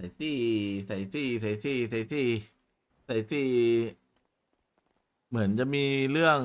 ส่ซี่ใส่ซี่ใส่ซี่ใส่ซี่ใส่ซี่เหมือนจะมีเรื่อง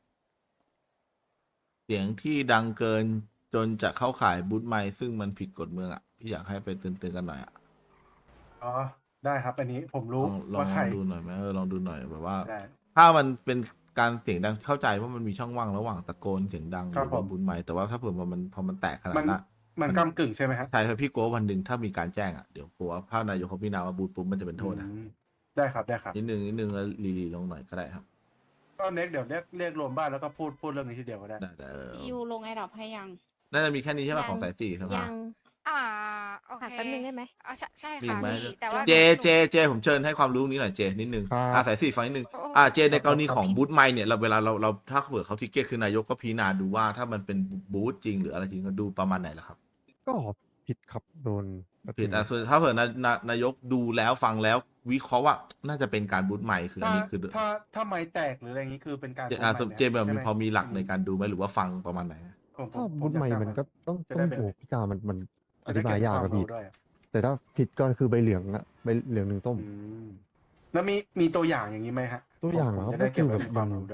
เสียงที่ดังเกินจนจะเข้าข่ายบูทไมค์ซึ่งมันผิดกฎเมืองอ่ะพี่อยากให้ไปเตือนๆกันหน่อยอ่ะอ๋อได้ครับอันนี้ผมรู้ลองว่าใครดูหน่อยไหมลองดูหน่อยแบบว่าได้ถ้ามันเป็นการเสียงดังเข้าใจว่ามันมีช่องว่างระหว่างตะโกนเสียงดังหรือว่าบูทไมค์แต่ว่าถ้าเผื่อมันพอมันแตกขนาดมันนั้นอะมันกำกึ่งใช่ไหมฮะใช่ครับพี่กลัววันหนึ่งถ้ามีการแจ้งอ่ะเดี๋ยวกลัวถ้านายกเขาพิจารณาว่าบูทปุ๊บมันจะเป็นโทษนะอืมได้ครับได้ครับนิดนึงแล้วรีลงหน่อยก็ได้ครับก็เน็กเดี๋ยวเรียกรวมบ้านแล้วก็พูดเรื่องนี้ทีเดียวก็ได้ได้ยูลงไอดอปให้ยังน่าจะมีแค่นี้ใช่ไหมยังของสายสี่ครับยังอ่าโอค่ะเคแป๊บนึงได้ไหมใช่มีค่ะไหมพี่แต่ว่าเจผมเชิญให้ความรู้นี้หน่อยเจนิดนึงครับสายสี่ฟังนิดนึงโอ้เจในกรณีของบูทไมค์เนี่ยเราเวลาเราถ้าเผื่อเขาทิเก็ตคือนายกก็พิจารณาดูว่าถ้ามันเป็นบูทจริงหรืออะไรจริงก็ดูประมาณไหนล่ะครับก็ผิดครับโดนผิดส่วนถ้าเผื่อนายกดูแล้วฟังแล้ววิเคราะห์ว่าน่าจะเป็นการบูทไมค์คืออันนี้คือถ้าไม้แตกหรืออะไรอย่างนี้คือเป็นการเจแบบมีพอมีหลักในการดูไหมหรือว่าฟังประมาณไหนถ้าบุญใหม่มันก็ต้องจะได้เป็นโอ้พี่กามันอจะธิได้บายเก็บยากควครับพี่รู้ด้วยแต่ถ้าผิดก็คือใบเหลืองอะใบเหลืองหนึ่งส้มอืมแล้วมีตัวอย่างอย่างนี้ไหมฮะตัวอย่างผมเหรอจะได้เก็บไว้ก็คือเป็นความรู้ด้วย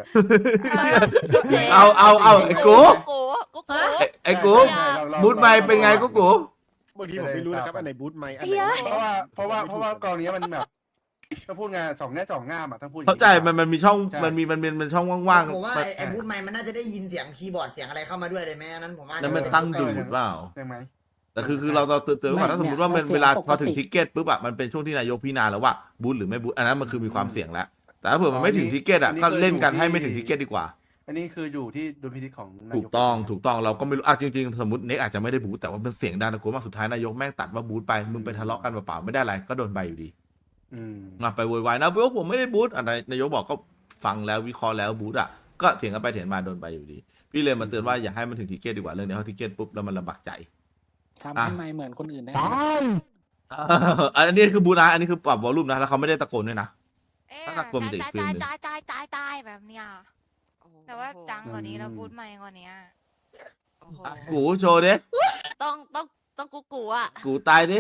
เอาไอ้กูกูไอ้กูใช่เราบูทไมค์เป็นไงกูบางทีผมไม่รู้นะครับอันไหนบูทไมค์อันไหนเพราะว่ากรณีมันแบบก็พูดไงสองแง่สองง่ามอ่ะทั้งพูดอย่งเข้าใจมันมีช่องใช่มันช่องว่างผมว่าๆไอ้บูทไมค์มันน่าจะได้ยินเสียงคีย์บอร์ดเสียงอะไรเข้ามาด้วยเลยไหมอันนั้นผมว่าแล้วมันตั้งดูดเปล่าใช่ไหมแต่คือเราเตือนไว้ก่อนถ้าสมมติว่ามันเวลาพอถึงทิกเก็ตปุ๊บอะมันเป็นช่วงที่นายกพิจารณาแล้วว่าบูทหรือไม่บูทอันนั้นมันคือมีความเสี่ยงแล้วแต่ถ้าเผื่อมันไม่ถึงทิกเก็ตอะก็เล่นกันให้ไม่ถึงทิกเก็ตดีกว่าอันนี้คืออยู่ที่ดุลพินิจของนายถูกต้องเราก็ไม่รู้จริงๆสมมติเน็กอาจจะไม่ได้บูทแต่ว่ามันเสียงดังตะโกนมากสุดท้ายนายกแม่งตัดว่าบูทไปมึงไปทะเลาะกันเปล่าๆไม่ได้อะไรก็โดนใบอยู่ดีอืมมาไปโวยวายนะพวกผมไม่ได้บูทอะไรนายกบอกก็ฟังแล้ววิเคราะห์แล้วบูทอ่ะก็เถียงกันไปเถียงมาโดนไปอยู่ดี พี่เลยมาเตือนว่าอย่าให้มันถึงทิเก็ตดีกว่าเรื่องนี้เพราะทิเก็ตปุ๊บแล้วมันลำบากใจทำให้ไม่เหมือนคนอื่นได้ไหมอันนี้คือบูทนะอันนี้คือปรับวอลลุ่มนะแล้วเขาไม่ได้ตะโกนด้วยนะเอ๊ะถ้าตะโกนมันจะอีกฟิลหนึ่งตายแบบเนี้ยแต่ว่าดังกว่านี้แล้วบูทใหม่กว่านี้กูโชว์ดิต้องกูอ่ะกูตายดิ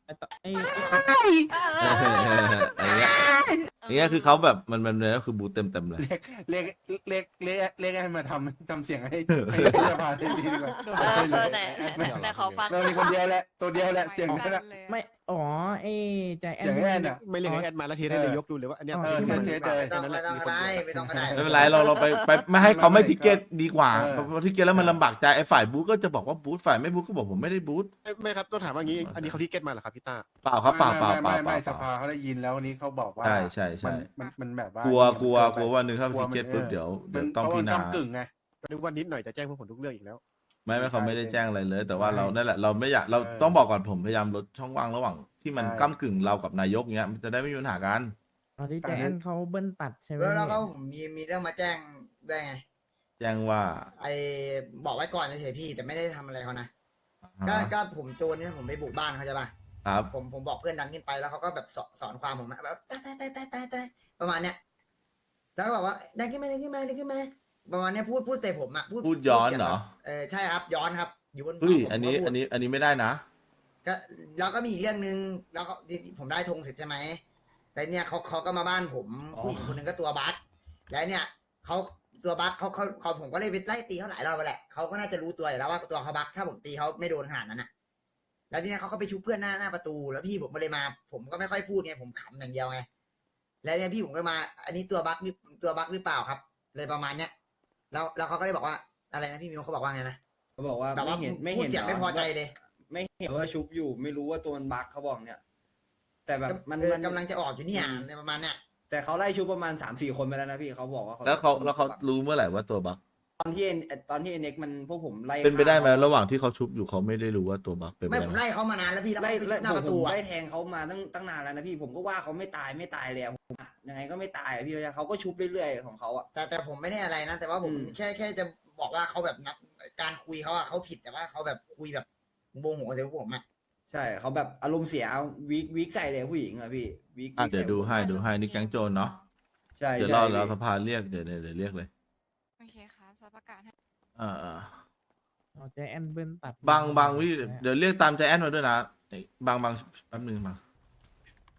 อย่างเงี้ยคือเขาแบบมันเลยก็คือบูทเต็มเลยเรียกให้มาทำเสียงให้สภาทีดีกว่าแต่ขอฟังเรามีคนเดียวแหละตัวเดียวแหละเสียงนั่นแหละไม่อ๋อไอ้ใจแอเสียงนแอนอ่ะไม่เรียกให้แอดมาแล้วเทสให้นายกดูเลยว่าอันเนี้ยเทสไม่ต้องก็ได้ไม่ต้องก็ได้ไม่เป็นไรเราไปไม่ให้เขาไม่ทิเก็ตดีกว่าเพราะทิเก็ตแล้วมันลำบากใจไอ้ฝ่ายบูทก็จะบอกว่าบูทฝ่ายไม่บูทก็บอกผมไม่ได้บูทไม่ครับต้องถามว่างี้อันนี้เขาที่เก็ตมาเหรอครับพี่ต้าเปล่าครับเปล่าไม่สภาเขาได้ยินแล้วนี้เขาบอกว่าใช่มันแบบว่ากลัววันหนึ่งถ้าทิเก็ตปุ๊บเดี๋ยวต้องพิจารณากึ่งไงก็นึกว่านิดหน่อยจะแจ้งพวกผมทุกเรื่องอีกแล้วไม่เขาไม่ได้แจ้งอะไรเลย แต่ว่าใช่เรานั่นแหละเราไม่อยากเราต้องบอกก่อนผมพยายามลดช่องว่างระหว่างที่มันใช่ก้ากึ่งเรากับนายกเงี้ยมันจะได้ไม่มีปัญหากันตอนที่ใจแอนเขาเบิ้ลตัดใช่ไหมแล้วก็ผมมีเรื่องมาแจ้งด้วยไงแจ้งว่าไอ้บอกไว้ก่อนเฉยๆพี่แต่ไม่ได้ทำอะไรเขานะก็ผมโจรเนี่ยผมไปบุกบ้านเขาใช่ป่ะครับผมบอกเพื่อนดันขึ้นไปแล้วเขาก็แบบสอนความผมแบบตายประมาณเนี้ยแล้วก็บอกว่าดันขึ้นมาประมาณเนี้ยพูดใส่ผมอ่ะพูดย้อนเหรอใช่ครับย้อนครับอยู่บนเฮ้ยผมอันนี้ก็พูดอันนี้ไม่ได้นะก็แล้วก็มีอีกเรื่องนึงแล้วก็ผมได้ธงเสร็จใช่ไหมแต่เนี่ยเขาก็มาบ้านผมผู้หญิงคนหนึ่งก็ตัวบัสแล้วเนี่ยเขาตัวบัสเขาผมก็เลยไปไล่ตีเขาหลายรอบไปแหละเขาก็น่าจะรู้ตัวอยู่แล้วว่าตัวเขาบัสถ้าผมตีเขาไม่โดนขนาดนั้นอ่ะแล้วทีนี้เขาก็ไปชุบเพื่อนหน้าประตูแล้วพี่ผมก็เลยมา ผมก็ไม่ค่อยพูดไงผมขำอย่างเดียวไงแล้วเนี่ยพี่ผมก็มา อันนี้ตัวบัสหรือเปล่าครับ เลยประมาณเนี้ยแล้วเขาก็เลยบอกว่าอะไรนะพี่มิวเขาบอกว่าไงนะเขาบอกว่าแบบว่าไม่พูเห็ดนเสียงไม่พอใจเลยไม่เห็นว่าชุบอยู่ไม่รู้ว่าตัวมันบั๊กเขาบอกเนี่ย แต่แบบมันกำลังจะออกอยู่เนี่ยในประมาณเนี้ยแต่เขาไล่ชุบประมาณ3-4 คนไปแล้วนะพี่เขาบอกว่าแล้วเขารู้เมื่อไหร่ว่าตัวบั๊กตอนที่เอ็นเอ็กมันพวกผมไล่เป็นไปได้ไหมฆ่าระหว่างที่เขาชุบอยู่เขาไม่ได้รู้ว่าตัวบั๊กเป็นไปไม่ได้ผมไหมไล่เขามานานแล้วพี่แล้วไล่หน้าประตูผมอะไล่แทงเขามาตั้งนานแล้วนะพี่ผมก็ว่าเขาไม่ตายแล้วผมยังไงก็ไม่ตายอะพี่เขาก็ชุบเรื่อยๆของเขาอ่ะแต่ผมไม่ได้อะไรนะ แต่ว่าผมอืมแค่จะบอกว่าเขาแบบนับการคุยเขาอะเขาผิดแต่ว่าเขาแบบคุยแบบโมโหใส่พวกผมอะใช่เขาแบบอารมณ์เสียวิกใส่เลยผู้หญิงอะพี่วิกเดี๋ยวดูให้นี่แก๊งโจรเนาะใช่เดี๋ยวใช่รอแล้วพี่สภาเรียกเดี๋ยวเรียกเลยโอเคค่ะจะประกาศให้อ่าใจแอนเบิ้ลตัดบางพี่เดี๋ยวเรียกตามใจแอนมาด้วยนะบางแป๊บนึงมา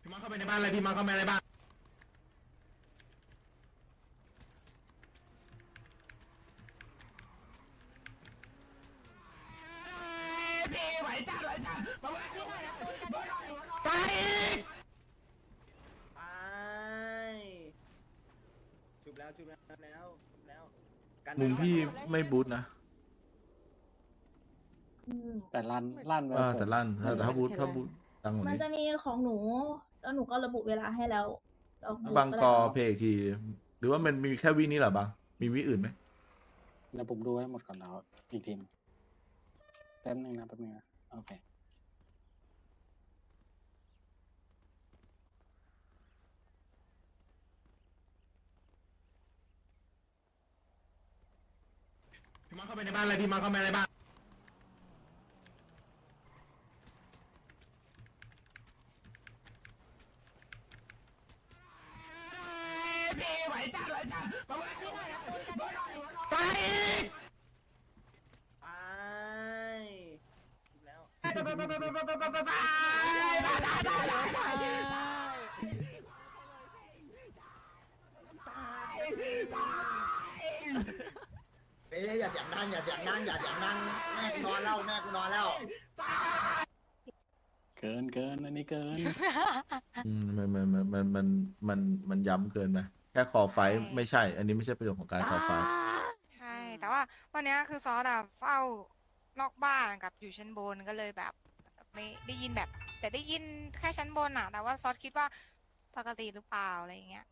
มาเข้าไปในบ้านเลยพี่มาเข้าไปในบ้านไปชุบแล้วชุบแล้วชุบแล้วชุบแล้วกันมุมพี่ไม่บูทนะแต่ลั่นไปแต่ลั่นแต่ถ้าบูทดังกว่ามันนี้จะมีของหนู แล้วหนูก็ระบุเวลาให้แล้วแล้วหนูบางกอได้เพลงอีกที หรือว่ามันมีแค่วินี้เหรอบางมีวิอื่นไหมแล้วผมดูให้หมดก่อนแล้วอีกทีมแป๊บนึงนะโอเคพี่มาเข้าไปในบ้านเลยพี่มาเข้าไปในบ้านไปไปชุบแล้วเอ้ยอย่าเสียงดังอย่าเสียงดังอย่าเสียงดังแม่กูนอนแล้วแม่กูนอนแล้วเกินอันนี้เกินมันย้ำเกินไหมแค่คอไฟท์ไม่ใช่ อันนี้ไม่ใช่ประโยชน์ของการคอไฟท์ใช่ แต่ว่าวันเนี้ยคือซอสอะเฝ้านอกบ้านกับอยู่ชั้นบนก็เลยแบบไม่ได้ยินแบบ แต่ได้ยินแค่ชั้นบนอะแต่ว่าซอสคิดว่าปกติหรือเปล่าอะไรอย่างเงี้ย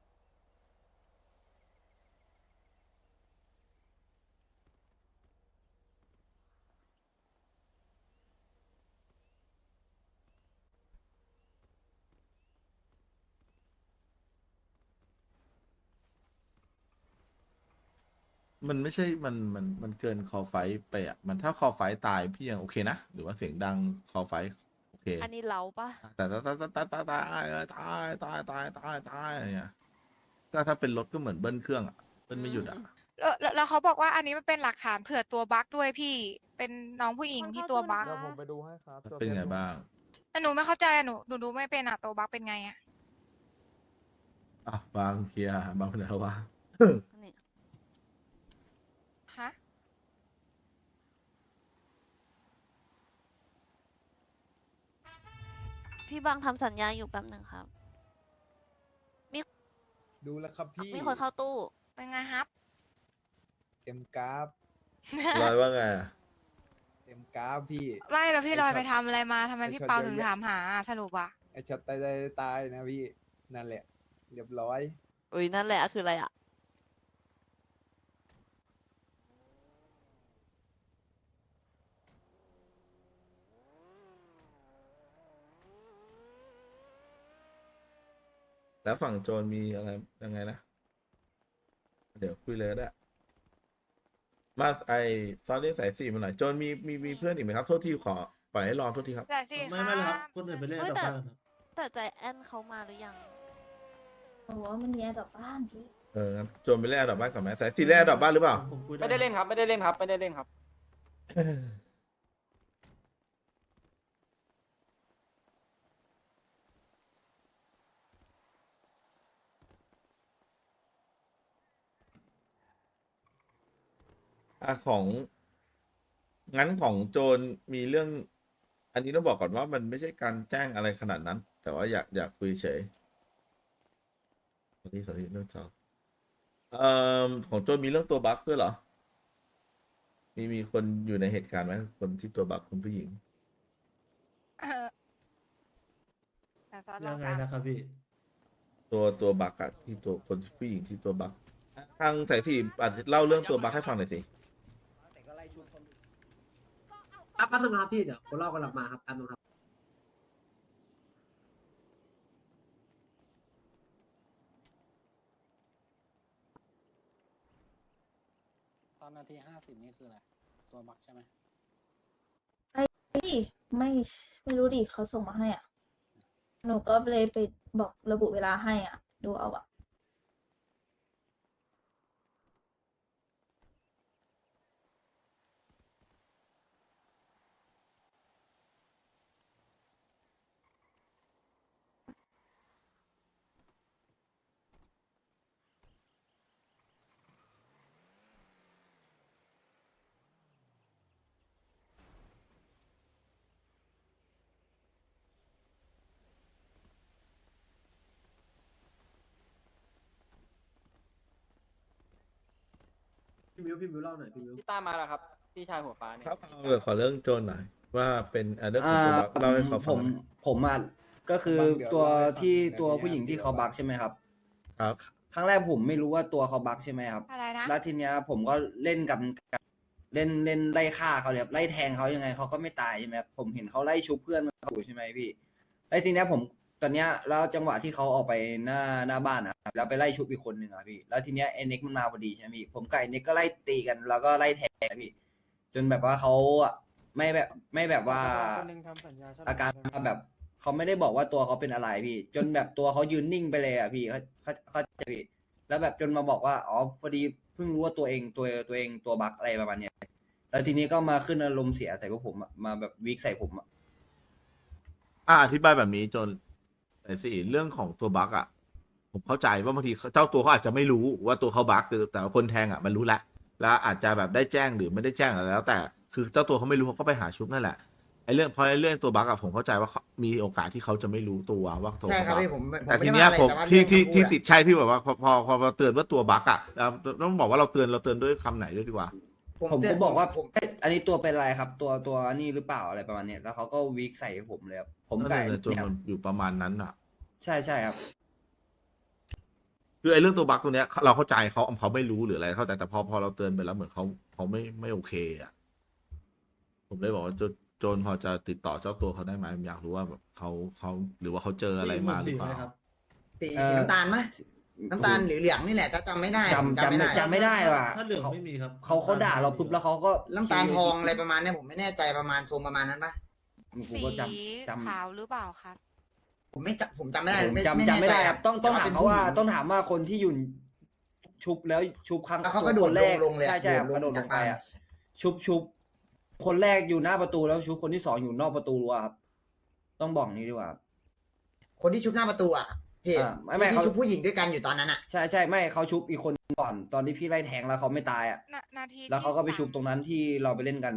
มันไม่ใช่มันเกินคอไฟท์ไปอ่ะมันถ้าคอไฟท์ตายพี่ยังโอเคนะ หรือว่าเสียงดังคอไฟท์โอเคอันนี้เราปะแต่ตายอะไรเงี้ยก็ถ้าเป็นรถก็เหมือนเบิ้ลเครื่องอ่ะเบิ้ลไม่หยุดอ่ะแล้วเขาบอกว่าอันนี้มันเป็นหลักฐานเผื่อตัวบั๊กด้วยพี่ เป็นน้องผู้หญิงที่ตัวบั๊กเดี๋ยวผมไปดูให้ครับเป็นไงบ้างแต่หนูไม่เข้าใจอะหนูดูไม่เป็นอะตัวบั๊กเป็นไงอะอ่ะบางเคลียร์บางเป็นอะไรวะนี่ฮะพี่บางทำสัญญาอยู่แป๊บหนึ่งครับดูแล้วครับพี่มีคนเข้าตู้เป็นไงครับเต็มกราฟลอยว่าไงอะเต็มกราฟพี่ไม่แล้วพี่ไอ้ลอยช็อตไปทำอะไรมาทำไมไอ้พี่ช็อตเปาเยอะถึงแยะถามหาสรุปอะไอช็อตตายนะพี่ นั่นแหละ เรียบร้อยอุ้ยนั่นแหละคืออะไรอ่ะแล้วฝั่งโจรมีอะไรยังไงนะ เดี๋ยวคุยเลยก็ได้มาไอซอรี่สายสี่มาหน่อยโจรมีเพื่อนอีกไหมครับ โทษทีขอปล่อยให้รอโทษทีครับแต่สิไม่เลยครับคนอื่นไปเล่นเฮ้ยกับแต่บ้านครับแต่ใจแอนเขามาหรือยังโอ้โหมันมีแอร์ดรอปบ้านพี่งั้นโจรไปเล่นอันดับบ้านก่อนไหมสายสี่เล่นอันดับบ้านหรือเปล่าผมคุยไม่ได้เล่นครับ ไม่ได้เล่นครับ ไม่ได้เล่นครับของงั้นของโจรมีเรื่อง อันนี้ต้องบอกก่อนว่ามันไม่ใช่การแจ้งอะไรขนาดนั้น แต่ว่าอยากคุยเฉยสวัสดีเรื่องจอของโจรมีเรื่องตัวบั๊กด้วยเหรอ มีคนอยู่ในเหตุการณ์ไหมคนที่ตัวบั๊กคุณผู้หญิงแต่ซอสลยัองงไงตามนะครับพี่ตัวบั๊กอะที่ตัวคนผู้หญิงที่ตัวบั๊กทางสายสี่อาจจะเล่าเรื่องตัวบั๊กให้ฟังหน่อยสิแต่ก็ไล่ชุบคนแป๊บนึงครับพี่ เดี๋ยวคนรอบกำลังมาครับแป๊บนึงครับตอนนาที50นี่คืออะไร ตัวบักใช่ไหมไม่รู้ดิเขาส่งมาให้อ่ะ หนูก็เลยไปบอกระบุเวลาให้อ่ะ ดูเอาอ่ะพี่มิวเล่าหน่อยพี่มิวพี่ต้ามาแล้วครับพี่ชายหัวฟ้าเนี่ยครับเอาเดี๋ยวขอเรื่องโจรหน่อยว่าเป็นเรื่องของตัวบักเล่าให้เขาฟังหน่อยผมอ่ะก็คือตัวที่ตัวผู้หญิงที่เขาบักใช่ไหมครับครับครั้งแรกผมไม่รู้ว่าตัวเขาบักใช่ไหมครับอะไรนะแล้วทีเนี้ยผมก็เล่นกับเล่นไล่ฆ่าเขาเลยครับไล่แทงเขายังไงเขาก็ไม่ตายใช่ไหมครับผมเห็นเขาไล่ชุบเพื่อนเขาอยู่ใช่ไหมพี่แล้วทีเนี้ยผมตอนเนี้ยแล้วจังหวะที่เขาออกไปหน้าบ้านนะครับแล้วไปไล่ชุบอีกคนหนึ่งอ่ะพี่แล้วทีเนี้ยไอ้เน็กมันมาพอดีใช่ไหมพี่ผมกับไอ้เน็กก็ไล่ตีกันแล้วก็ไล่แทงนะพี่จนแบบว่าเขาอ่ะไม่แบบว่าอาการแบบเขาไม่ได้บอกว่าตัวเขาเป็นอะไรพี่ จนแบบตัวเขายืนนิ่งไปเลยอ่ะพี่เขาใจพี่แล้วแบบจนมาบอกว่าอ๋อพอดีเพิ่งรู้ว่าตัวเองตัวบั๊กอะไรประมาณเนี้ยแล้วทีนี้ก็มาขึ้นอารมณ์เสียใส่พวกผมอะมาแบบวิกใส่ผมอะอธิบายแบบนี้จนแต่สิเรื่องของตัวบั๊กอ่ะผมเข้าใจว่าบางทีเจ้าตัวเขาอาจจะไม่รู้ว่าตัวเขาบั๊กแต่ว่าคนแทงอ่ะมันรู้แล้วอาจจะแบบได้แจ้งหรือไม่ได้แจ้งอะไรแล้ว แต่คือเจ้าตัวเขาไม่รู้เขาก็ไปหาชุบนั่นแหละไอ้เรื่องตัวบั๊กอ่ะผมเข้าใจว่ามีโอกาสที่เขาจะไม่รู้ตัวว่าตัวใช่ครับเขาพี่บั๊กผมแต่ไม่ทีได้เนี้ยว่าอะไรผมแต่ว่าที่เรื่องที่คำพูดอะติดใช่พี่แบบว่าพอเตือนว่าตัวบั๊กอ่ะแล้วต้องบอกว่าเราเตือนด้วยคำไหนด้วยดีกว่าผมเตืก็นบอกว่าผมเอ้ยอันนี้ตัวเป็นอะไรครับ ตัวนี่หรือเปล่าอะไรประมาณเนี้ยแล้วเขาก็วิกใส่ผมเลยครับผมไก่นั่นแหละจนเนี่ยมันอยู่ประมาณนั้นอ่ะใช่ครับคือไอ้เรื่องตัวบั๊กตัวเนี้ยเราเข้าใจเขาไม่รู้หรืออะไรเข้าใจแต่พอเราเตือนไปแล้วเหมือนเขาไม่โอเคอ่ะผมเลยบอกว่าโจนพอจะติดต่อเจ้าตัวเขาได้ไหมผมอยากรู้ว่าแบบเขาหรือว่าเขาเจออะไรมาหรือเปล่าสีน้ำตาลไหมน้ำตาลหรือเหลืองนี่แหละจำไม่ได้ผมไม่ได้จำไม่ได้ว่ะถ้าเหลืองไม่มีครับเขาด่าเราปุ๊บแล้วเขาก็น้ำตาลทองอะไรประมาณเนี้ยผมไม่แน่ใจประมาณทรงประมาณนั้นปะผมสีก็จำขาวหรือเปล่าครับผมจำไม่ได้ผมไม่จำแน่ไม่ใจได้ครับต้องแต่ถามป็นเขาผู้ว่าหญิงต้องถามว่าคนที่อยู่ชุบแล้วชุบครั้งแล้วเขาก็โดดคนแรกลงเลยอะใช่ครับโดกดระลโดงดลจากงไปบ้านอ่ะชุบคนแรกอยู่หน้าประตูแล้วชุบคนที่สองอยู่นอกประตูรั้วครับต้องบอกนี้ดีกว่าคนที่ชุบหน้าประตูอ่ะพี่ไม่ที่เขาชุบผู้หญิงด้วยกันอยู่ตอนนั้นอ่ะใช่ไม่เขาชุบอีกคนก่อนตอนที่พี่ไล่แทงแล้วเขาไม่ตายอ่ะนาทีแล้วเขาก็ไปที่ชุบตรงนั้นที่เราไปเล่นกัน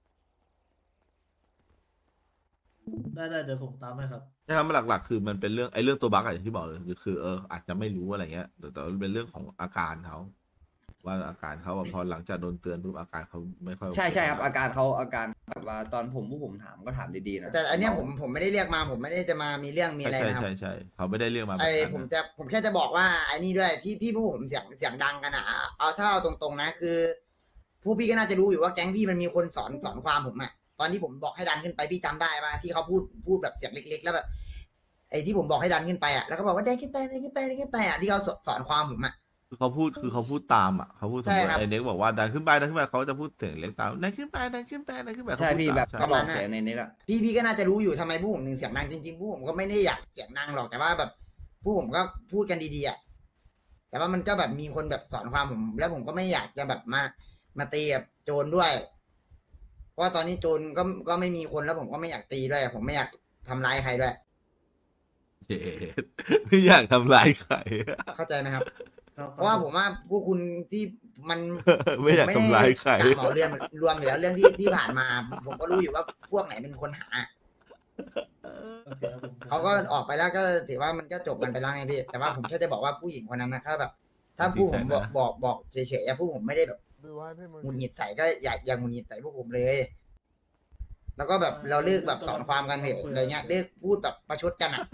ได้เดี๋ยวผมตามให้ครับนะครับหลักๆคือมันเป็นเรื่องตัวบั๊กอะอย่างที่บอกเลยคืออาจจะไม่รู้อะไรเงี้ยแต่มันเป็นเรื่องของอาการเขาว่าอาการเขาอะพอหลังจากโดนเตือนปุ๊บอาการเขาไม่ค่อยโอเใช่ครับอาการแบบว่าตอนพวกผมถามก็ถามดีๆนะแต่อันเนี้ยผมไม่ได้เรียกมาผมไม่ได้จะมามีเรื่องมีอะไรนะครับใช่เขาไม่ได้เรียกมาแบบไอ้นั้นผมแค่จะบอกว่าไอ้นี่ด้วยที่พวกผมเสียงดังกันอ่ะเอาถ้าเอาตรงๆนะคือผู้พี่ก็น่าจะรู้อยู่ว่าแก๊งพี่มันมีคนสอนความผมอ่ะตอนที่ผมบอกให้ดันขึ้นไปพี่จำได้ป่ะที่เขาพูดแบบเสียงเล็กๆแล้วแบบไอ้ที่ผมบอกให้ดันขึ้นไปอ่ะแล้วก็บอกว่าดันขึ้นไปอ่ะที่เขาสอนความผมอ่ะคือเขาพูดตามอ่ะเขาพูดสมใช่มติครับไอ้เน็กบอกว่าดันขึ้นไปเขาจะพูดเสียงเล็กตามดันขึ้นไปใช่พี่แบบเขาก็พูดตามบอกเสียงในนี้แหละพี่ก็น่าจะรู้อยู่ทำไมผู้ผมถึงเสียงดังจริงๆผู้ผมก็ไม่ได้อยากเสียงดังหรอกแต่ว่าแบบผู้ผมก็พูดกันดีๆอ่ะแต่ว่ามันก็แบบมีคนแบบสอนความผม แล้วผมก็ไม่อยากจะแบบมาตีกับโจรด้วย เพราะว่าตอนนี้โจรก็ไม่มีคนแล้วผมก็ไม่อยากตีด้วย ผมไม่อยากทำร้ายใครด้วยเย้ไม่อยากทำร้ายใครเข้าใจไหมครับ เพราะว่าผมว่าพวกคุณที่มันไม่อยากทำร้ายใครผมไม่ได้กะเหมาเรื่องรวมอยู่แล้วเรื่องที่ผ่านมา ผมก็รู้อยู่ว่าพวกไหนเป็นคนหา เขาก็ออกไปแล้วก็ถือว่ามันก็จบกันไปแล้วไงพี่ แต่ว่าผมแค่จะบอกว่าผู้หญิงคนนั้นนะถ้าแบบ ถ้าผู้ผมบอกเฉยๆผู้ผมไม่ได้แบบหงุดหงิดใส่ก็อย่าหงุดหงิดใส่พวกผมเลย แล้วก็แบบเราเลิกแบบสอนความกันเถอะอะไรเงี้ยเลิกพูดแบบประชดกันอ่ะ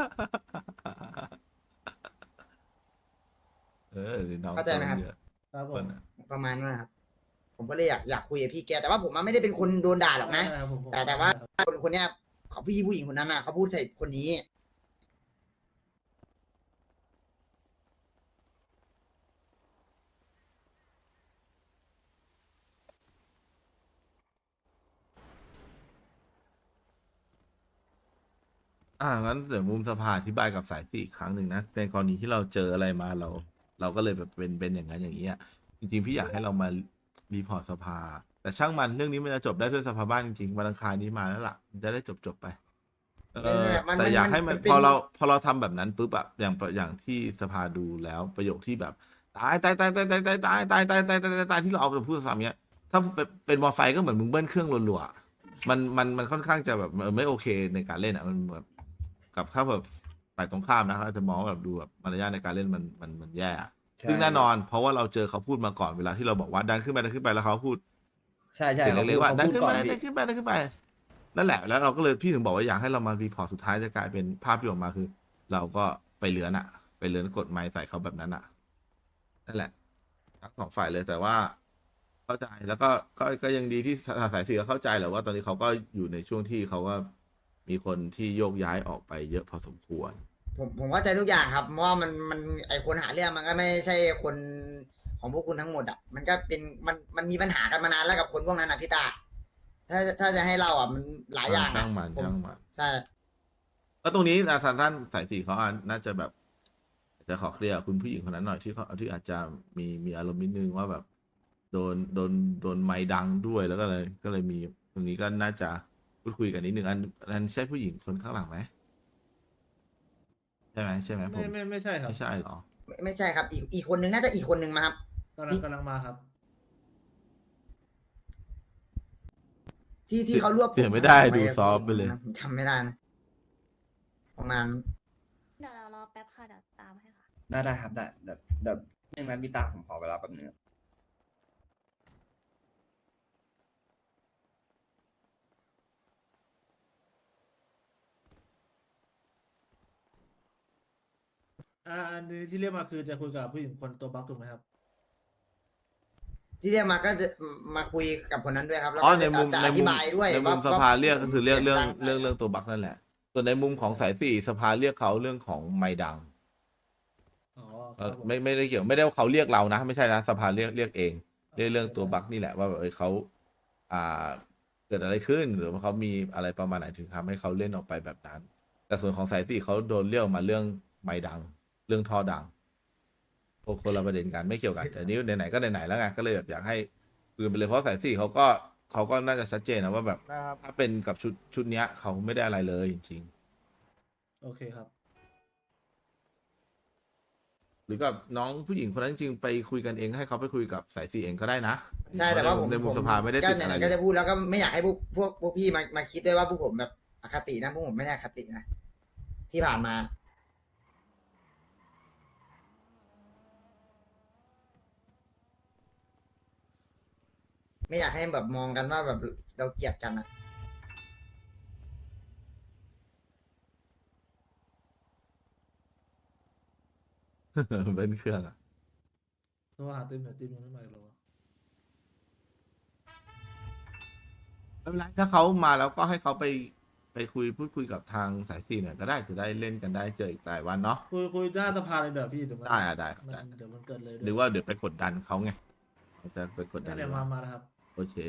น้องเข้าใจไหมครับครับผมประมาณนั้นนะครับ ผมก็เลยอยากคุยกับพี่แกแต่ว่าผมไม่ได้เป็นคนโดนด่าหรอกนะ แต่ว่าคนเนี้ยเขาพี่ผู้หญิงคนนั้นน่ะเขาพูดใส่คนนี้งั้นเดี๋ยวมุมสภาอธิบายกับสายสี่อีกครั้งหนึ่งนะในกรณีที่เราเจออะไรมาเราก็เลยแบบเป็นอย่างนั้นอย่างนี้อะจริงๆพี่อยากให้เรามารีพอร์ตสภา แต่ช่างมันเรื่องนี้มันจะจบได้ด้วยสภาบ้านจริงๆวันอังคารนี้มาแล้วล่ะมันจะได้จบไปแต่อยากให้มันพอเราทำแบบนั้นปุ๊บอะอย่างที่สภาดูแล้วประโยคที่แบบตายที่เราเอาไปพูดซ้ำเนี้ยถ้าเป็นมอไซค์ก็เหมือนมึงเบิ้ลเครื่องรัวๆมันค่อนข้างจะแบบไม่โอเคในการเล่นอะมันแบบกับถ้าแบบฝ่ายตรงข้ามนะเขาจะมองแบบดูแบบมารยาทในการเล่นมันแย่ซึ่งแน่นอนเพราะว่าเราเจอเขาพูดมาก่อนเวลาที่เราบอกว่าดันขึ้นไปแล้วเขาพูดใช่ใช่เสียงเล็กๆว่าดันขึ้นไปพี่ดันขึ้นไปดันขึ้นไปนั่นแหละแล้วเราก็เลยพี่ถึงบอกว่าอยากให้เรามารีพอร์ตสุดท้ายจะกลายเป็นภาพที่ออกมาคือ เราก็ไปเลือนไปเลือนกดไม้ใส่เขาแบบนั้นนั่นแหละทั้งสองฝ่ายเลยแต่ว่า เข้าใจแล้วก็ยังดีที่สายสีก็เข้าใจแหละว่าตอนนี้เขาก็อยู่ในช่วงที่เขาก็มีคนที่โยกย้ายออกไปเยอะพอสมควรผมเข้าใจทุกอย่างครับเพราะว่ามันไอคนหาเรื่องมันก็ไม่ใช่คนของพวกคุณทั้งหมดอ่ะมันก็เป็นมันมีปัญหากันมานานแล้วกับคนพวกนั้นอ่ะพี่ตาถ้าจะให้เราอ่ะมันหลายอย่างช่างมันผมช่างมันใช่ก็ตรงนี้ท่านสายสีเขาน่าจะแบบจะขอเคลียร์คุณผู้หญิงคนนั้นหน่อยที่อาจจะมีอารมณ์นิดนึงว่าแบบโดนไม้ดังด้วยแล้วก็เลยมีตรงนี้ก็น่าจะพูดคุยกันนิดนึงอันใช่ผู้หญิงคนข้างหลังไหมใช่ไหมผมไม่ใช่ครับไม่ใช่หรอไม่ใช่ครับ อีกคนนึงน่าจะอีกคนนึงมาครับกำลังมาครับที่เขารวบเปลี่ยนไม่ได้ผดูซอฟต์ไปเลยผมจำไม่ได้นะประมาณเดี๋ยวเรารอแป๊บค่ะเดี๋ยวตามให้ค่ะได้ครับได้เดี๋ยวเรื่องนั้นพี่ตาผมขอเวลาแป๊บนึงอันนี้ที่เรียกมาคือจะคุยกับผู้หญิงคนตัวบั๊กถูกไหมครับที่เรียกมาก็จะมาคุยกับคนนั้นด้วยครับแล้วอ๋อก็ในมุมจะในอมุธิมบายด้วยในมุมว่าสภาเรียกก็คือเรียกเรื่องสียดัเรื่องตัวบั๊กนั่นแหละส่วนในมุมของสายสี่สภาเรียกเขาเรื่องของไม้ดังอ๋อครับผมไม่ได้เกี่ยวไม่ได้ว่าเขาเรียกเรานะไม่ใช่นะสภาเรียกเองเรื่องตัวบั๊กนี่แหละว่าแบบเขาเกิดอะไรขึ้นหรือว่าเขามีอะไรประมาณไหนถึงทำให้เขาเล่นออกไปแบบนั้น แต่ส่วนของสายสี่เขาโดนเรียกมาเรื่องไม้ดัง เรื่องท่อดังคนละประเด็นกันไม่เกี่ยวกันแต่นี้ไหนๆก็ไหนๆแล้วไงก็เลยแบบอยากให้คุยกันไปเลยเพราะสายสี่เขาก็น่าจะชัดเจนนะว่าแบบถ้าเป็นกับชุดเนี้ยเขาไม่ได้อะไรเลยจริงโอเคครับๆหรือกับน้องผู้หญิงคนนั้นจริงๆไปคุยกันเองให้เขาไปคุยกับสายสี่เองก็ได้นะใช่แต่ว่าผมในมุมสภาไม่ได้ติดอะไรก็จะพูดแล้วก็ไม่อยากให้พวกพี่มาคิดด้วยว่าพวกผมแบบอคตินะพวกผมไม่ได้อคตินะที่ผ่านมา ไม่อยากให้แบบมองกันว่าแบบเราเกลียดกันนะเบิ้ลเครื่องอะโทรหาติ๊มหน่อยติ๊มยังไม่มาอีกเหรอวะไม่เป็นไรถ้าเขามาแล้วก็ให้เขาไปพูดคุยกับทางสายสี่หน่อยก็ได้จะได้เล่นกันได้เจออีกหลายวันเนาะคุยหน้าสภาเลยเดี๋ยวพี่เดี๋ยวมันได้ครับมันได้เดี๋ยวมันเกิดเลยหรือว่าเดี๋ยวไปกดดันเขาไงจะไปกดดันเดี๋ยวมาแล้วครับโอเค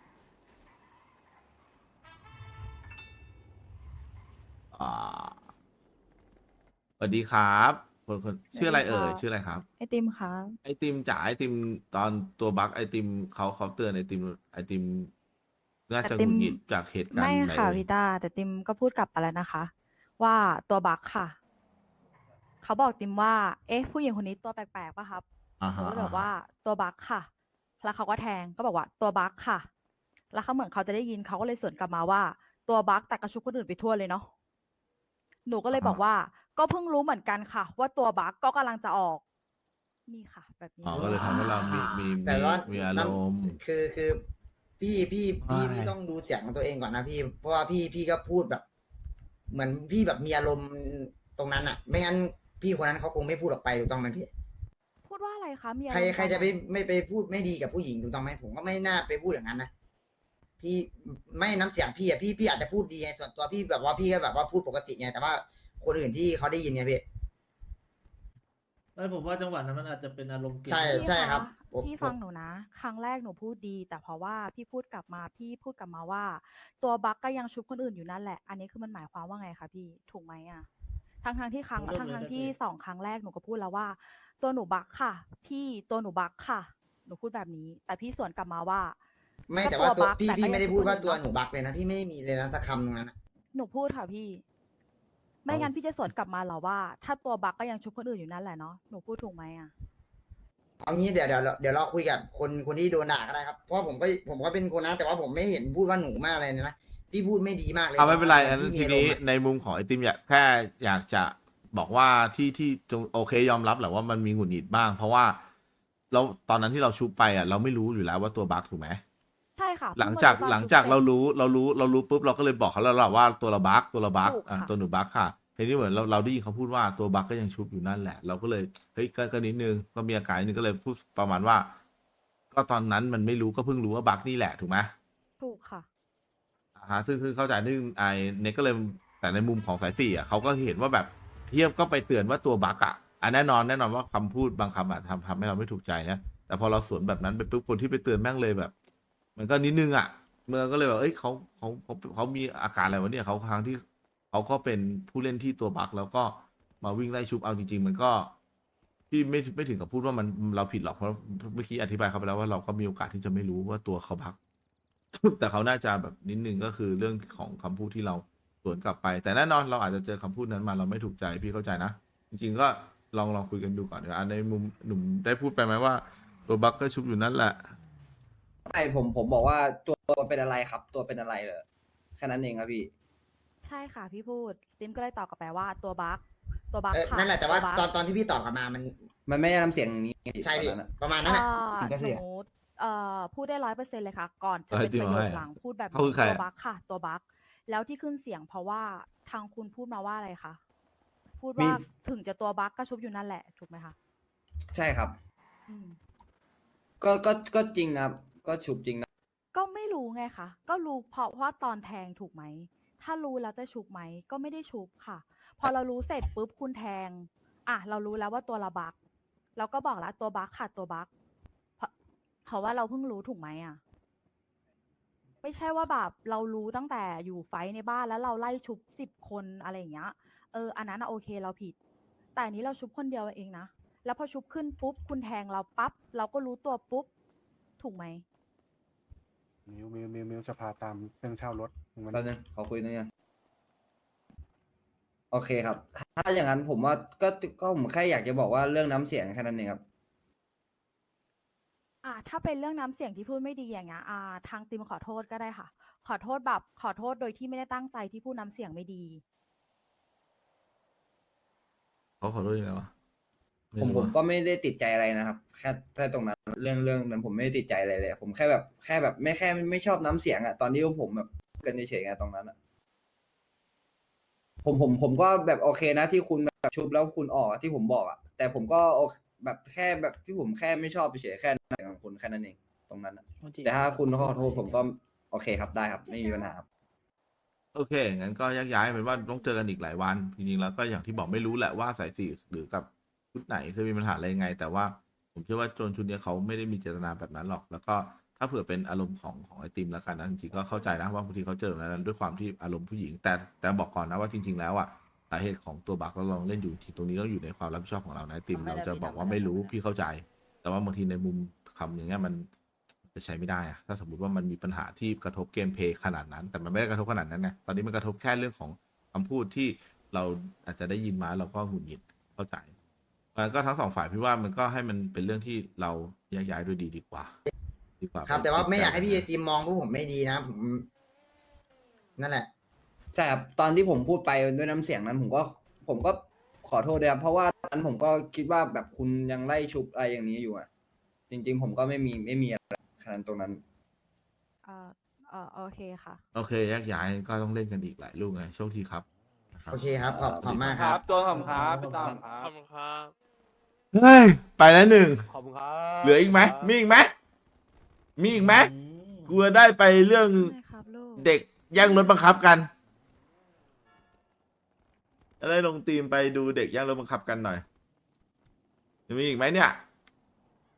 สวัสดีครับคนชื่ออะไรเอ่ยชื่ออะไรครับไอติมค่ะไอติมจ๋าไอติมตอนตัวบั๊กไอติมเขาเตือนไอติมน่าจะหงุดหงิดจากเหตุการณ์ไม่ไหนค่ะเลยพี่ตาแต่ติมก็พูดกลับไปแล้วนะคะ ว่าตัวบั๊กค่ะ เขาบอกติมว่า เอ๊ะ ผู้หญิงคนนี้ตัวแปลกๆป่ะครับอ่าเขาฮะก็เลยบอกว่าตัวบั๊กค่ะ แล้วเขาก็แทงก็บอกว่าตัวบั๊กค่ะ แล้วเขาเหมือนเขาจะได้ยินเขาก็เลยสวนกลับมาว่า ตัวบั๊กแต่กระชุกคนอื่นไปทั่วเลยเนาะหนูก็เลยบอกว่า ก็เพิ่งรู้เหมือนกันค่ะ ว่าตัวบั๊กก็กำลังจะออก นี่ค่ะ แบบนี้อ๋อก็เลยทำให้เรามีแต่ว่ามีอารมณ์คือพี่ต้องดูเสียงของตัวเองก่อนนะพี่ เพราะว่าพี่ก็พูดแบบ เหมือนพี่แบบมีอารมณ์ตรงนั้นอ่ะ ไม่งั้นพี่คนนั้นเขาคงไม่พูดออกไปถูกต้องไหมพี่พูดว่าอะไรคะมีอใครมณ์ใครจะตอนหนไม่ไปพูดไม่ดีกับผู้หญิงถูกต้องไหมผมก็ไม่น่าไปพูดอย่างนั้นนะพี่ไม่น้ำเสียงพี่อ่ะพี่อาจจะพูดดีไงส่วนตัวพี่แบบว่าพี่ก็แบบว่าพูดปกติไงแต่ว่าคนอื่นที่เขาได้ยินไงพี่ไม่ผมว่าจังหวะนั้นมันอาจจะเป็นอารมณ์เกลียดใช่พี่ใช่คะครับผมพี่ฟังหนูนะ ครั้งแรกหนูพูดดี แต่เพราะว่าพี่พูดกลับมาว่า ตัวบั๊กก็ยังชุบคนอื่นอยู่นั่นแหละ อันนี้คือมันหมายความว่าไงคะพี่ถูกไหมอ่ะทั้งที่ที่สองครั้งแรกหนูก็พูดแล้วว่า ตัวหนูบั๊กค่ะ พี่ตัวหนูบั๊กค่ะ หนูพูดแบบนี้ แต่พี่สวนกลับมาว่าไม่ก็แต่ว่าตัวตัวบั๊กพี่แต่ก็พี่ไม่ได้พูดว่ายังตัวพูดอยู่นะหนูบักเลยนะพี่ไม่มีเลยนะสักคำตรงนั้นอะหนูพูดค่ะพี่ ไม่งั้นพี่จะสวนกลับมาเหรอว่า ถ้าตัวบั๊กก็ยังชุบคนอื่นอยู่นั่นแหละเนาะหนูพูดถูกไหมอ่ะเอางี้เดี๋ยวเราคุยกับคนที่โดนด่าก็ได้ครับเพราะว่าผมก็เป็นคนนะแต่ว่าผมไม่เห็นพูดว่าหนูมากเลยนะพี่พูดไม่ดีมากเลยเอาไม่เป็นไรอันพี่ทีนี้อารมณ์อะในมุมของไอติมแค่อยากจะบอกว่าที่โอเคยอมรับแหละว่ามันมีหงุดหงิดบ้าง เพราะว่าเราตอนนั้นที่เราชุบไปอ่ะเราไม่รู้อยู่แล้วว่าตัวบั๊กถูกไหมใช่ค่ะหลังจากเพิ่มมหลังจากชุบเรารู้ปุ๊บเราก็เลยบอกเขาแล้วล่ะว่าตัวเราบั๊กถูกค่ะตัวหนูบั๊กค่ะทีนี้เหมือนเราได้ยินเขาพูดว่าตัวบั๊กก็ยังชุบอยู่นั่นแหละ เราก็เลยเฮ้ยก็นิดนึงก็มีอาการนิดนึงก็เลยพูดประมาณว่า ก็ตอนนั้นมันไม่รู้ก็เพิ่งรู้ว่าบั๊กนี่แหละถูกไหมถูกค่ะซึ่งเข้าใจนึงไอเน็กก็เลยแต่ในมุมของสายสี่อ่ะเขาก็เห็นว่าแบบเทียบก็ไปเตือนว่าตัวบั๊กอ่ะแน่นอนว่าคำพูดบางคำอ่ะทำให้เราไม่ถูกใจนะแต่พอเราสวนแบบนั้นไปปุ๊บคนที่ไปเตือนแม่งเลยแบบ มันก็นิดนึงอ่ะเมื่อก็เลยแบบเอ้ยเขามีอาการอะไรวะเนี่ยเขาครั้งที่เขาก็เป็นผู้เล่นที่ตัวบั๊กแล้วก็มาวิ่งไล่ชุบเอาจริง ๆ มันก็ที่ไม่ถึงกับพูดว่ามันเราผิดหรอกเพราะเมื่อกี้อธิบายเขาไปแล้วว่าเราก็มีโอกาสที่จะไม่รู้ว่าตัวเขาบั๊ก แต่เขาน่าจะแบบนิดนึงก็คือเรื่องของคำพูดที่เราสวนกลับไป แต่แน่นอนเราอาจจะเจอคำพูดนั้นมาเราไม่ถูกใจพี่เข้าใจนะ จริงๆก็ลองคุยกันดูก่อนเดี๋ยวในมุมหนุ่มได้พูดไปไหมว่าตัวบั๊กก็ชุบอยู่นั่นแหละไม่ผมบอกว่าตัวเป็นอะไรครับ ตัวเป็นอะไรเหรอแค่นั้นเองครับพี่ใช่ค่ะพี่พูดติมก็เลยตอบกลับไปว่าตัวบั๊กค่ะนั่นแหละแต่ว่าบั๊กตอนที่พี่ตอบกลับมามันไม่ได้ทำเสียงอย่างนี้ใช่พี่ตอนนั้นอะประมาณนั้นแหละอ่าถึงจะหเสียนูพูดได้100%เลยค่ะ ก่อนจะเอ้ยเป็นประโยจริงเหรอคหลังพูดแบบเขาคือใครตัวอะบั๊กค่ะ ตัวบั๊กแล้วที่ขึ้นเสียงเพราะว่าทางคุณพูดมาว่าอะไรคะพูดมีว่าถึงจะตัวบั๊กก็ชุบอยู่นั่นแหละถูกไหมคะใช่ครับอืมก็จริงครับ ก็ฉุบจริงนะก็ไม่รู้ไงคะก็รู้เพราะว่าตอนแทงถูกไหมถ้ารู้แล้วจะชุบไหมก็ไม่ได้ชุบค่ะ พอเรารู้เสร็จปุ๊บคุณแทงเรารู้แล้วว่าตัวเราบั๊กเราก็บอกแล้วตัวบั๊กค่ะตัวบั๊กเพราะว่าเราเพิ่งรู้ถูกไหมไม่ใช่ว่าแบบเรารู้ตั้งแต่อยู่ไฟท์ในบ้านแล้วเราไล่ชุบ10 คนอะไรอย่างเงี้ยอันนั้นโอเคเราผิด แต่อันนี้เราชุบคนเดียวเองนะแล้วพอชุบขึ้นปุ๊บคุณแทงเราปั๊บเราก็รู้ตัวปุ๊บถูกไหมมิวจะพาตามเรื่องเช่ารถมันแป๊บนึงขอคุยหน่อยโอเคครับ ถ้าอย่างนั้นผมว่าก็ผมแค่อยากจะบอกว่าเรื่องน้ำเสียงแค่นั้นเองครับถ้าเป็นเรื่องน้ำเสียงที่พูดไม่ดีอย่างเงี้ยทางติมขอโทษก็ได้ค่ะ ขอโทษแบบขอโทษโดยที่ไม่ได้ตั้งใจที่พูดน้ำเสียงไม่ดีเขาขอโทษยังไงวะไผมรู้อะก็ไม่ได้ติดใจอะไรนะครับ แค่ตรงนั้นเรื่องนั้นผมไม่ได้ติดใจอะไรเลย ผมแค่แบบไม่ชอบน้ำเสียงอะตอนที่ผมแบบกันเฉยๆไงตรงนั้นอะผมก็แบบโอเคนะที่คุณแบบชุบแล้วคุณออกที่ผมบอกอะแต่ผมก็แบบแค่แบบที่ผมแค่ไม่ชอบเฉยๆแค่นั้นของคุณแค่นั้นเองตรงนั้นอะแต่ถ้าคุณขอโทษผมก็โอเคครับได้ครับ ไม่มีปัญหาครับโอเค งั้นก็แยกย้ายเป็นว่าต้องเจอกันอีกหลายวัน จริงๆ แล้วก็อย่างที่บอกไม่รู้แหละว่าสายสี่หรือกับชุดไหนเคยมีปัญหาอะไรยังไง แต่ว่าผมเชื่อว่าโจนชุดเนี้ยเขาไม่ได้มีเจตนาแบบนั้นหรอก แล้วก็ถ้าเผื่อเป็นอารมณ์ของไอติมแล้วกันนะจริงๆก็เข้าใจนะว่าบางทีเขาเจอแบบนั้นด้วยความที่อารมณ์ผู้หญิง แต่บอกก่อนนะว่าจริง ๆ แล้วอ่ะสาเหตุของตัวบั๊กเราลองเล่นอยู่ที่ตรงนี้ต้องอยู่ในความรับผิดชอบของเรานะไอติมเราจะบอกว่าไม่รู้พี่เข้าใจ แต่ว่าบางทีในมุมคำอย่างเงี้ยมันจะใช้ไม่ได้อะถ้าสมมติว่ามันมีปัญหาที่กระทบเกมเพลย์ขนาดนั้น แต่มันไม่ได้กระทบขนาดนั้นนะตอนนี้มันกระทบแค่เรื่องของคำพูดที่เราอาจจะได้ยินมาเราก็หงุดหงิดเข้าใจมันก็ทั้งสองฝ่ายพี่ว่ามันก็ให้มันเป็นเรื่องที่เราแยกย้ายด้วยดีกว่าครับ แต่ว่าไม่อยากให้พี่ไอติมมองพวกผมไม่ดีนะผมนั่นแหละใช่ครับตอนที่ผมพูดไปด้วยน้ำเสียงนั้นผมก็ขอโทษด้วยครับเพราะว่าตอนนั้นผมก็คิดว่าแบบคุณยังไล่ชุบอะไรอย่างนี้อยู่อ่ะ จริง ๆ ผมก็ไม่มีอะไรขนาดตรงนั้นโอเคค่ะโอเคแยกย้ายก็ต้องเล่นกันอีกหลายลูกไงโชคดีครับนะครับโอเคครับขอบคุณมากครับตัวขำครับพี่ตามครับขอบคุณครับเฮ้ยไปแล้วหนึ่งขอบคุณครับเหลืออีกไหมมีอีกไหมมีอีกไหมกลัวได้ไปเรื่องได้ครับลูกเด็กแย่งรถบังคับกันจะได้ลงทีมไปดูเด็กแย่งรถบังคับกันหน่อยจะมีอีกไหมเนี่ย